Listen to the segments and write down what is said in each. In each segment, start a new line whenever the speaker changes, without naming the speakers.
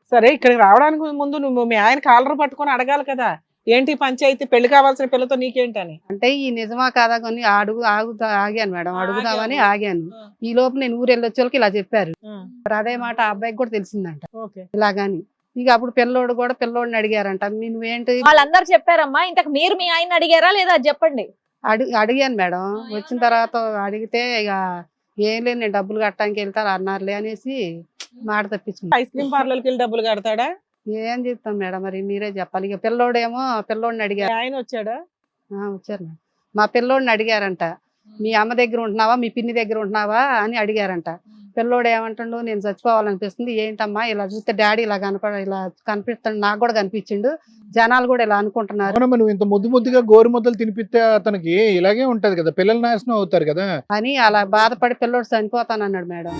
సరే ఇక్కడికి రావడానికి ముందు నువ్వు మీ ఆయన కాలర్ పట్టుకొని అడగాలి కదా, ఏంటి పంచాయతీ, పెళ్లి కావాల్సిన పిల్లతో నీకేంటని.
అంటే ఈ నిజమా కాదా కొన్ని ఆగాను మేడం, అడుగుదామని ఆగాను.
ఆ.
ఈ లోపు నేను ఊరు వెళ్ళొచ్చే వాళ్ళకి ఇలా చెప్పారు.
ఆ,
మరి అదే మాట ఆ అబ్బాయికి కూడా తెలిసిందంట
ఓకే.
ఇలాగని. ఇక అప్పుడు పిల్లోడిని అడిగారంట, నువ్వేంటి
వాళ్ళందరూ చెప్పారమ్మా. ఇంతకు మీరు మీ ఆయన అడిగారా లేదా అది చెప్పండి.
అడిగాను మేడం. వచ్చిన తర్వాత అడిగితే ఇక ఏం లేదు నేను డబ్బులు కట్టడానికి వెళ్తాను అన్నారులే అనేసి మాట తప్పించుకున్నాను.
ఐస్ క్రీమ్ పార్లర్కి వెళ్ళి డబ్బులు కడతాడా?
ఏం చెప్తాం మేడం, మరి మీరే చెప్పాలి. ఇక పిల్లోడిని అడిగారు.
ఆయన వచ్చాడా?
వచ్చారు మేడం. మా పిల్లోడిని అడిగారంట, మీ అమ్మ దగ్గర ఉంటున్నావా మీ పిన్ని దగ్గర ఉంటున్నావా అని అడిగారంట. పిల్లోడు ఏమంటుండు, నేను చచ్చిపోవాలనిపిస్తుంది. ఏంటమ్మా ఇలా చూస్తే డాడీ ఇలా కనిపిస్తాడు, నాకు కూడా కనిపించిండు, జనాలు కూడా ఇలా అనుకుంటున్నారు
అవునమ్మా, నువ్వు ఇంత ముద్దుగా గోరు ముద్దలు తినిపిస్తే అతనికి ఇలాగే ఉంటది కదా, పిల్లలు నాశనం అవుతారు కదా
అని అలా బాధపడి పిల్లోడు చనిపోతానన్నాడు మేడం.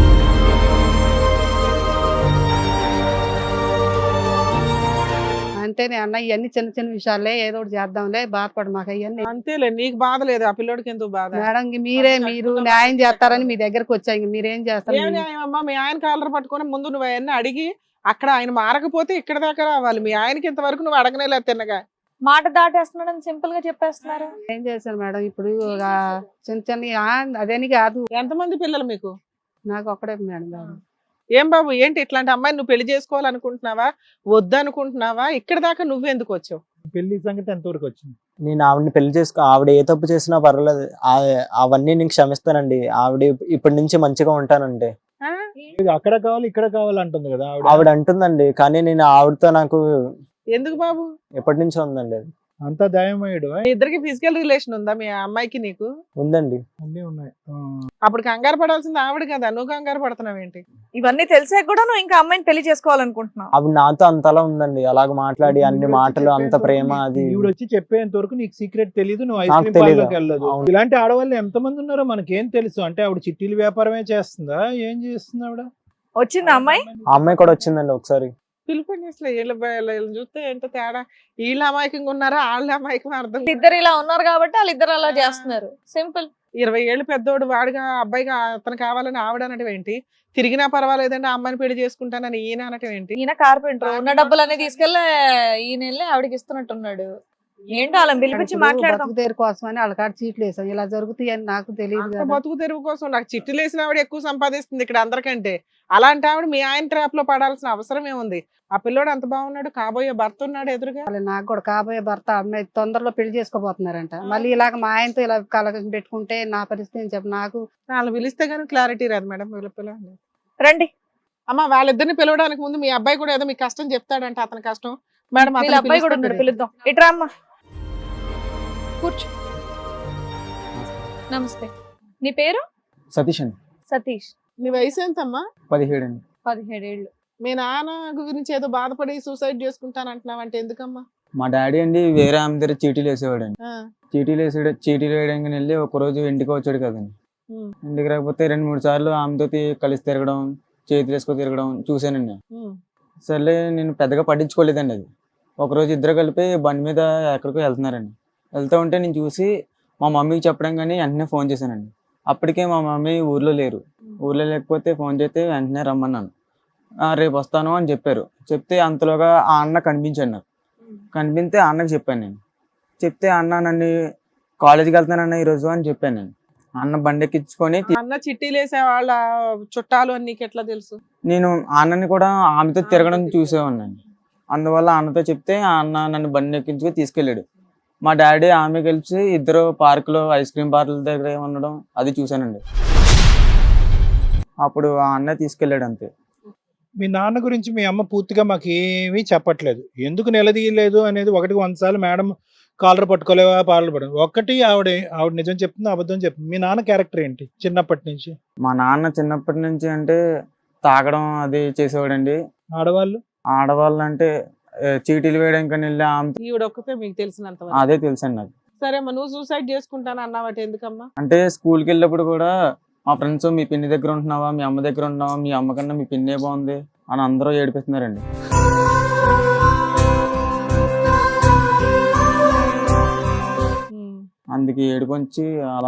అంటేనే అన్న ఇవన్నీ చిన్న చిన్న విషయాలే, ఏదో ఒకటి చేద్దాంలే, బాధపడు మాకు అవన్నీ.
అంతేలే, నీకు బాధ లేదు, ఆ పిల్లోడికి ఎందుకు బాధ?
మేడం మీరు న్యాయం చేస్తారని మీ దగ్గరకు వచ్చా, ఇంక మీరేం చేస్తారు?
ఏం న్యాయం అమ్మా, మీ ఆయన కాలర్ పట్టుకొని ముందు నువ్వు అవన్నీ అడిగి అక్కడ ఆయన మారకపోతే ఇక్కడ దాకా రావాలి. మీ ఆయనకి ఇంతవరకు నువ్వు అడగనేలేదు తిన్నగా.
మాట దాటేస్తున్నాడని సింపుల్ గా చెప్పేస్తున్నారు.
ఏం చేశాను మేడం ఇప్పుడు చిన్న అదేని కాదు.
ఎంతమంది పిల్లలు మీకు?
నాకు ఒక్కడే మేడం కాదు.
ఏం బాబు, ఏంటి ఇట్లాంటి అమ్మాయిని నువ్వు పెళ్లి చేసుకోవాలనుకుంటున్నావా, వద్దనుకుంటున్నావా? ఇక్కడ దాకా నువ్వెందుకు వచ్చావు?
పెళ్లి సంగతి ఎంతవరకు వచ్చింది?
నేను ఆవిడని పెళ్లి ఆవిడ ఏ తప్పు చేసినా పర్వాలేదు, అవన్నీ నేను క్షమిస్తానండి. ఆవిడ ఇప్పటి నుంచి మంచిగా ఉంటానండి.
ఇది అక్కడ కావాలి ఇక్కడ కావాలి అంటుంది కదా
ఆవిడ అంటుందండి, కానీ నేను ఆవిడతో నాకు
ఎందుకు బాబు?
ఎప్పటి నుంచో ఉందండి.
అంతా దయమయ్యాడు.
మీ ఇద్దరికి ఫిజికల్ రిలేషన్ ఉందా మీ అమ్మాయికి నీకు?
ఉందండి.
అన్నీ ఉన్నాయి.
అప్పుడు కంగారు పడాల్సింది ఆవిడ కదా, నువ్వు కంగారు పడుతున్నావు ఏంటి?
ఇవన్నీ తెలిసాక కూడా నువ్వు ఇంకా అమ్మాయిని పెళ్లి చేసుకోవాలనుకుంటున్నావు?
ఆవిడ నాతో అంతలా ఉందండి, అలాగ మాట్లాడి అన్ని మాటలు, అంత ప్రేమ. అది
ఈవిడ వచ్చి చెప్పేంత వరకు నీకు సీక్రెట్ తెలియదు, నువ్వు ఐస్
నాకు
క్రీమ్
తెలీదు.
పార్లర్కి వెళ్ళదు.
అవును.
ఇలాంటి ఆడవాళ్ళు ఎంతమంది ఉన్నారో మనకేం తెలుసు. అంటే ఆవిడ చిట్టీల వ్యాపారమే చేస్తుందా, ఏం చేస్తుంది ఆవిడ?
వచ్చిందా అమ్మాయి?
ఆ అమ్మాయి కూడా వచ్చిందండి ఒకసారి.
పిలుపుని అసలు వీళ్ళ చూస్తే ఎంత తేడా, వీళ్ళు అమాయకంగా ఉన్నారా వాళ్ళ అమాయకం అర్థం.
ఇద్దరు ఇలా ఉన్నారు కాబట్టి వాళ్ళిద్దరు అలా చేస్తున్నారు. సింపుల్.
20 ఏళ్ళు పెద్దోడు వాడుగా అబ్బాయిగా అతను కావాలని ఆవిడ అనటం ఏంటి? తిరిగినా పర్వాలేదండి ఆ అమ్మాయిని పెళ్లి చేసుకుంటానని ఈయన అనటం ఏంటి?
ఈయన కార్పెంటర్, ఉన్న డబ్బులన్నీ తీసుకెళ్ళి ఈయన వెళ్ళి ఆవిడకి ఇస్తున్నట్టున్నాడు.
ఏంటో వాళ్ళని పిలిపించి మాట్లాడదాం.
బతుకు కోసమని వాళ్ళ కాడ చీట్లు వేసాం, ఇలా జరుగుతాయి అని నాకు తెలియదు
అంత
కదా.
బతుకు తెరువు కోసం నాకు చిట్టులు వేసిన ఆవిడ ఎక్కువ సంపాదిస్తుంది ఇక్కడ అందరికంటే. అలాంటి ఆవిడ మీ ఆయన ట్రాప్ లో పడాల్సిన అవసరం ఏముంది? ఆ పిల్లోడు అంత బాగున్నాడు, కాబోయే భర్త ఉన్నాడు ఎదురుగా.
నాకు కూడా కాబోయే భర్త అమ్మాయి తొందరలో పెళ్లి చేసుకోబోతున్నారంట. మళ్ళీ ఇలాగ మా ఆయనతో ఇలా కలగం పెట్టుకుంటే నా పరిస్థితి ఏం చెప్పు. నాకు
వాళ్ళు పిలిస్తే గానీ క్లారిటీ రాదు మేడం. పిలవండి
రండి.
అమ్మ, వాళ్ళిద్దరిని పిలవడానికి ముందు మీ అబ్బాయి కూడా ఏదో మీ కష్టం చెప్తాడంట, అతని కష్టం. మేడం
వీళ్ళ అబ్బాయి కూడా ఉన్నాడు, పిలుద్దాం. ఇట్రా అమ్మా, కూర్చో.
నమస్తే. నీ పేరు?
సతీష్ అండి.
సతీష్.
నీ వయసు ఎంతమ్మా?
17 అండి.
17 ఏళ్ళు.
మీ నాన్న గురించి ఏదో బాధపడి సూసైడ్ చేసుకుంటానంటున్నావంటే ఎందుకమ్మా?
మా డాడీ అండి వేరే ఆమె దగ్గర చీటీలు వేసేవాడు అండి.
ఆ,
చీటీలు వేయడానికి వెళ్ళి ఒక రోజు ఇంటికి వచ్చాడు కదండి.
ఉమ్,
ఇంటికి రాకపోతే 2-3 సార్లు ఆమెతో కలిసి తిరగడం, చేతులు వేసుకొని తిరగడం చూసానండి.
ఉమ్,
సర్లే నేను పెద్దగా పట్టించుకోలేదండి. అది ఒకరోజు ఇద్దరు కలిపి బండి మీద ఎక్కడికో వెళ్తున్నారండి. వెళ్తూ ఉంటే నేను చూసి మా మమ్మీకి చెప్పడం కానీ వెంటనే ఫోన్ చేశానండి. అప్పటికే మా మమ్మీ ఊర్లో లేరు. ఊర్లో లేకపోతే ఫోన్ చేస్తే వెంటనే రమ్మన్నాను. రేపు వస్తాను అని చెప్పారు. చెప్తే అంతలోగా ఆ అన్న కనిపించాడు నాకు. కనిపిస్తే ఆ అన్నకి చెప్పాను నేను. చెప్తే అన్న నన్ను కాలేజీకి వెళ్తానన్న ఈరోజు అని చెప్పాను నేను. అన్న బండి ఎక్కించుకొని
అన్న చిట్టీలు వేసే వాళ్ళ చుట్టాలు అని నీకు ఎట్లా తెలుసు?
నేను ఆ అన్నని కూడా ఆమెతో తిరగడం చూసేవాడిని. అందువల్ల అన్నతో చెప్తే ఆ అన్న నన్ను బండి ఎక్కించుకొని తీసుకెళ్ళాడు. మా డాడీ ఆమె కలిసి ఇద్దరు పార్కులో ఐస్ క్రీమ్ పార్లర్ దగ్గర ఉండడం అది చూశానండి. అప్పుడు ఆ అన్న తీసుకెళ్ళాడు అంతే.
మీ నాన్న గురించి మీ అమ్మ పూర్తిగా మాకు ఏమీ చెప్పట్లేదు. ఎందుకు నిలదీయలేదు అనేది 100 సార్లు మేడం కాలర్ పట్టుకోలేవా పార్లర్ పడ ఒక్కటి ఆవిడ నిజం చెప్తుంది, అబద్ధం చెప్తుంది. మీ నాన్న క్యారెక్టర్ ఏంటి చిన్నప్పటి నుంచి?
మా నాన్న చిన్నప్పటి నుంచి అంటే తాగడం అది చేసేవాడండి. ఆడవాళ్ళు అంటే చీటీలు వేయడానికి వెళ్ళి
ఈవిడ ఒక్కతే మీకు తెలిసినంత
అదే తెలుసండి నాకు.
సరే అమ్మా, నువ్వు సూసైడ్ చేసుకుంటాను అన్నావట ఎందుకమ్మా?
అంటే స్కూల్కి వెళ్ళినప్పుడు కూడా మా ఫ్రెండ్స్ మీ పిన్ని దగ్గర ఉంటున్నావా, మీ అమ్మ దగ్గర ఉంటున్నావా, మీ అమ్మ కన్నా మీ పిన్నే బాగుంది అని అందరూ ఏడిపిస్తున్నారండి. అందుకే ఏడుకొంచి అలా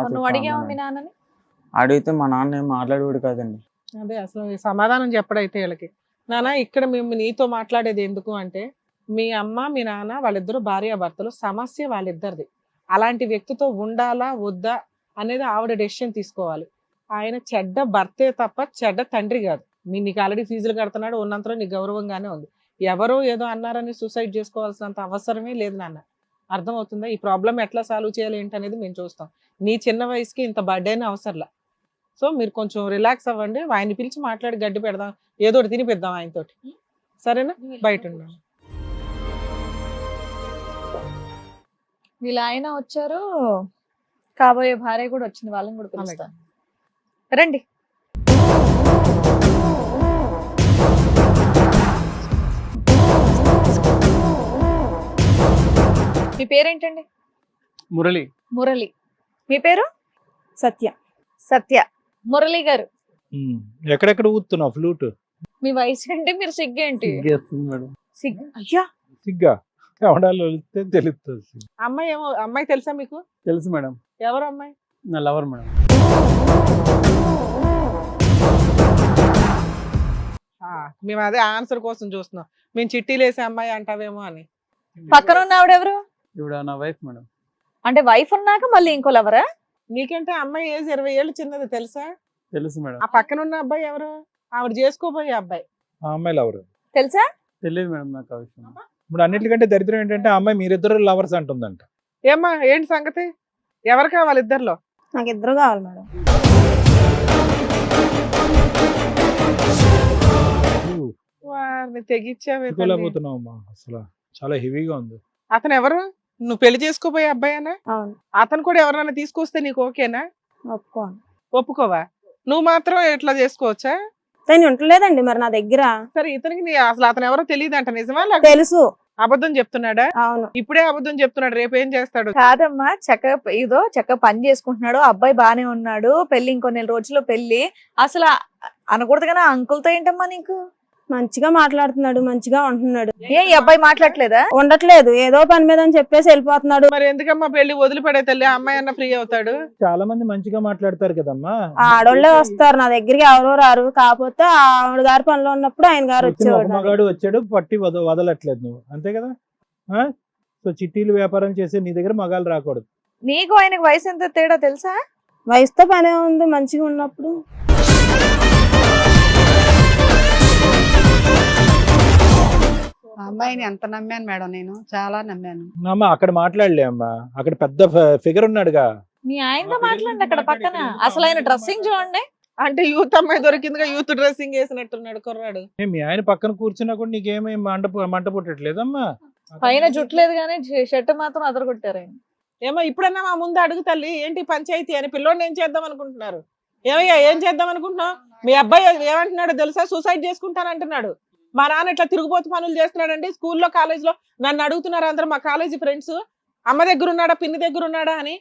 అడిగితే మా నాన్న ఏం మాట్లాడేవాడు కాదండి.
అదే అసలు సమాధానం చెప్పడైతే వీళ్ళకి నానా ఇక్కడ మేము నీతో మాట్లాడేది ఎందుకు అంటే, మీ అమ్మ మీ నాన్న వాళ్ళిద్దరు భార్యాభర్తలు, సమస్య వాళ్ళిద్దరిది. అలాంటి వ్యక్తితో ఉండాలా వద్దా అనేది ఆవిడ డెసిషన్ తీసుకోవాలి. ఆయన చెడ్డ భర్తే తప్ప చెడ్డ తండ్రి కాదు. నీకు ఆల్రెడీ ఫీజులు కడుతున్నాడు, ఉన్నంతలో నీకు గౌరవంగానే ఉంది. ఎవరో ఏదో అన్నారని సూసైడ్ చేసుకోవాల్సినంత అవసరమే లేదు నాన్న. అర్థమవుతుందా? ఈ ప్రాబ్లం ఎట్లా సాల్వ్ చేయాలి ఏంటనేది మేము చూస్తాం. నీ చిన్న వయసుకి ఇంత బర్త్డేనే అవసరంలా. సో మీరు కొంచెం రిలాక్స్ అవ్వండి, ఆయన్ని పిలిచి మాట్లాడి గడ్డి పెడదాం, ఏదో ఒకటి తినిపిద్దాం ఆయనతోటి, సరేనా? బయట ఉండాలి.
వీళ్ళ ఆయన వచ్చారు, కాబోయే భార్య కూడా వచ్చింది, వాళ్ళని కూడా పిలుస్తాను. రండి. మీ పేరేంటండి?
మురళి.
మురళి. మీ పేరు?
సత్య.
సత్య. మురళి గారు,
ఎక్కడెక్కడ ఊతున్నావు ఫ్లూట్?
మీ వయసు ఏంటి, మీరు సిగ్గేంటి?
సిగ్గేస్తుంది మేడం.
సిగ్గు. అయ్యా,
సిగ్గా ఎవడాలో తెలుస్తుంది.
అమ్మాయి ఏమో, అమ్మాయి తెలుసా మీకు?
తెలుసు మేడం,
ఎవరు అమ్మాయి?
నా లవర్ మేడం.
మేము అదే ఆన్సర్ కోసం చూస్తున్నాం. మేము చిట్టీలు వేసే అమ్మాయి అంటావేమో అని.
పక్కన ఉన్న ఆవిడెవరు?
ఇవిడ నా వైఫ్ మేడం.
అంటే వైఫ్ ఉన్నాక మళ్ళీ ఇంకో లవరా?
నీకంటే అమ్మాయి ఏజ్ 20 ఏళ్ళు చిన్నది, తెలుసా?
తెలుసు మేడం.
ఆ పక్కన ఉన్న అబ్బాయి ఎవరు? ఆవిడ చేసుకోబోయే అబ్బాయి.
ఆ అమ్మాయిలు ఎవరు?
తెలుసా?
తెలియదు మేడం నాకు ఆ విషయం.
ఇప్పుడు అన్నిటికంటే దరిద్రం ఏంటంటే ఆ అమ్మాయి మీరిద్దరు లవర్స్ అంటుందంట.
ఏమ్మా ఏంటి సంగతి? ఎవరు కావాలి ఇద్దరిలో?
నాకు ఇద్దరు కావాలి మేడం.
వారిని తెగిచ్చావే తల్లి.
తీసుకోలేకపోతున్నావు అమ్మా, అసలు చాలా హెవీగా ఉంది.
అతను ఎవరు? నువ్వు పెళ్లి చేసుకోబోయే అబ్బాయేనా?
అవును.
అతను కూడా ఎవరైనా తీసుకొస్తే నీకు ఓకేనా?
ఒప్పుకోను.
ఒప్పుకోవా? నువ్వు మాత్రం ఎట్లా చేసుకోవచ్చా?
తను ఉండలేదండి మరి నా దగ్గర.
సరే, ఇతనికి అసలు అతను ఎవరో తెలియదంట, నిజమా? లేకపోతే
తెలుసు.
అబద్ధం చెప్తున్నాడా?
అవును.
ఇప్పుడే అబద్ధం చెప్తున్నాడు, రేపు ఏం చేస్తాడు?
కాదమ్మా, చక్కగా పని చేసుకుంటున్నాడు, అబ్బాయి బానే ఉన్నాడు, పెళ్లి ఇంకో నెల రోజుల్లో పెళ్లి. అసలు అనకూడదు కానీ అంకుల్తో ఏంటమ్మా నీకు?
మంచిగా మాట్లాడుతున్నాడు, మంచిగా ఉంటున్నాడు.
ఏ, ఈ అబ్బాయి మాట్లాడలేదా?
ఉండట్లేదు, ఏదో పని మీద అని చెప్పేసి వెళ్ళిపోతున్నాడు.
మరి ఎందుకమ్మా పెళ్లి వదిలిపడే తల్లి? అమ్మాయి అన్న ఫ్రీ అవుతాడు.
చాలా మంది మంచిగా మాట్లాడతారు కదమ్మా.
ఆడోళ్ళే వస్తారు నా దగ్గరికి, ఎవరో రారు. కాకపోతే ఆవిడ గారి పనిలో ఉన్నప్పుడు ఆయన గారు
వచ్చిన ఒక
వచ్చేవాడు.
మగాడు వచ్చాడు, పట్టి వదలట్లేదు నువ్వు, అంతే కదా? సో చిట్టీలు వ్యాపారం చేసే నీ దగ్గర మగాళ్ళు రాకూడదు.
నీకు ఆయనకు వయసు ఎంత తేడా తెలుసా?
వయసుతో పనే ఉంది, మంచిగా ఉన్నప్పుడు.
ఆ అమ్మాయిని ఎంత నమ్మాను మేడం, నేను చాలా నమ్మాను.
అమ్మా అక్కడ మాట్లాడలే అమ్మా, అక్కడ పెద్ద ఫిగర్ ఉన్నాడుగా.
మీ ఆయనతో మాట్లాడండి అక్కడ పక్కన. అసలు ఆయన డ్రెస్సింగ్ చూడండి.
అంటే యూత్ అమ్మాయి దొరికిందిగా, యూత్ డ్రెస్సింగ్ వేసినట్టున్నాడు కుర్రాడు.
మీ ఆయన పక్కన కూర్చున్నా కూడా నీకేమీ మంట పుట్టట్లేదమ్మా?
పైన జుట్లేదు కానీ షర్ట్ మాత్రం అదరగొట్టారు ఆయన.
ఏమో ఇప్పుడన్నా మా ముందు అడుగు తల్లి, ఏంటి పంచాయతీ అని? పిల్లోడిని ఏం చేద్దాం అనుకుంటున్నారు? ఏమయ్యా ఏం చేద్దాం అనుకుంటున్నావు? మీ అబ్బాయి ఏమంటున్నాడు తెలుసా? సూసైడ్ చేసుకుంటానంటున్నాడు. మా నాన్న ఇట్లా తిరుగుబోతు పనులు చేస్తున్నాడండి. స్కూల్లో కాలేజ్లో నన్ను అడుగుతున్నారు అందరూ, మా కాలేజీ ఫ్రెండ్స్, అమ్మ దగ్గర ఉన్నాడా పిన్ని దగ్గర ఉన్నాడా అని.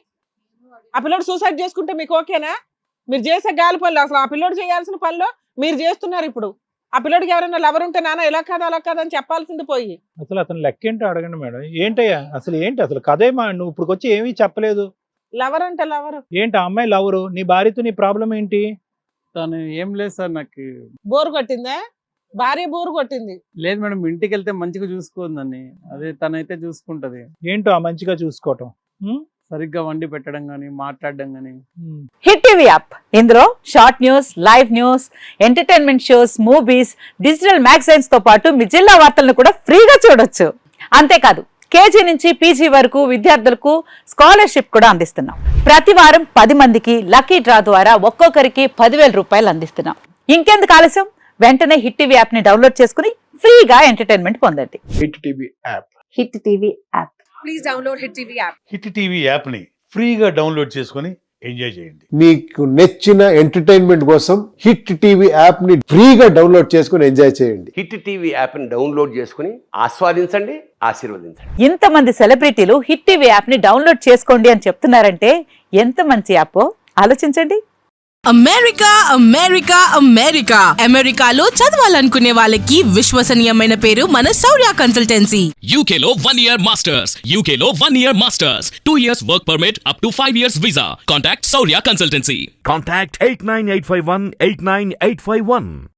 ఆ పిల్లోడు సూసైడ్ చేసుకుంటే మీకు ఓకేనా? మీరు చేసే గాలి పనులు, అసలు ఆ పిల్లోడు చేయాల్సిన పనులు మీరు చేస్తున్నారు. ఇప్పుడు ఆ పిల్లోడికి ఎవరైనా లవర్ ఉంటే నాన్న ఇలా కాదు అలా కాదు అని చెప్పాల్సింది పోయి
అసలు అతను లెక్క ఏంటో అడగండి మేడం. ఏంటయ్యా అసలు ఏంటి అసలు కథేమా? నువ్వు ఇప్పుడు వచ్చి ఏమీ చెప్పలేదు.
లవర్ అంటే లవర్
ఏంటి? ఆ అమ్మాయి లవరు, నీ భార్యతో నీ ప్రాబ్లం ఏంటి?
తను ఏం లేదు సార్, నాకు
బోరు కొట్టిందా? భార్య బోరు కొట్టింది.
లేదు మేడం, ఇంటికి వెళ్తే మంచిగా చూసుకోందని. అదే తనైతే చూసుకుంటది.
ఏంటో ఆ మంచిగా చూసుకోవటం?
సరిగ్గా వండి పెట్టడం గానీ, మాట్లాడడం గానీ.
హిట్ టీవీ యాప్, ఇందులో short news, live news, entertainment shows, movies, digital magazines తో పాటు మీ జిల్లా వార్తలను కూడా ఫ్రీగా చూడొచ్చు. అంతేకాదు కేజీ నుంచి పీజీ వరకు విద్యార్థులకు స్కాలర్షిప్ కూడా అందిస్తున్నాం. ప్రతి వారం 10 మందికి లక్కీ డ్రా ద్వారా ఒక్కొక్కరికి 10,000 రూపాయలు అందిస్తున్నాం. ఇంకెందుకు ఆలస్యం, వెంటనే హిట్ టీవీ యాప్ ని డౌన్లోడ్ చేసుకుని ఫ్రీగా ఎంటర్టైన్మెంట్ పొందండి.
Hit TV app.
Hit TV app.
Please download Hit TV app.
Hit TV app ని ఫ్రీగా డౌన్లోడ్ చేసుకొని ఎంజాయ్ చేయండి.
మీకు నచ్చిన ఎంటర్టైన్మెంట్ కోసం హిట్ టీవీ యాప్ ని ఫ్రీగా డౌన్లోడ్ చేసుకొని ఎంజాయ్ చేయండి.
హిట్ టీవీ యాప్ ని డౌన్లోడ్ చేసుకుని ఆస్వాదించండి, ఆశీర్వదించండి.
ఇంతమంది సెలబ్రిటీలు హిట్ టీవీ యాప్ ని డౌన్లోడ్ చేసుకోండి అని చెప్తున్నారంటే ఎంత మంచి యాప్ ఆలోచించండి.
అమెరికా అమెరికా అమెరికా అమెరికాలో చదవాలనుకునే వాళ్ళకి విశ్వసనీయమైన పేరు మన శౌర్య కన్సల్టెన్సీ.
UK లో 1 year masters, UK లో 1 year masters, 2 years work permit up to 5 years visa. Contact Saurya Consultancy.
Contact 89851 89851.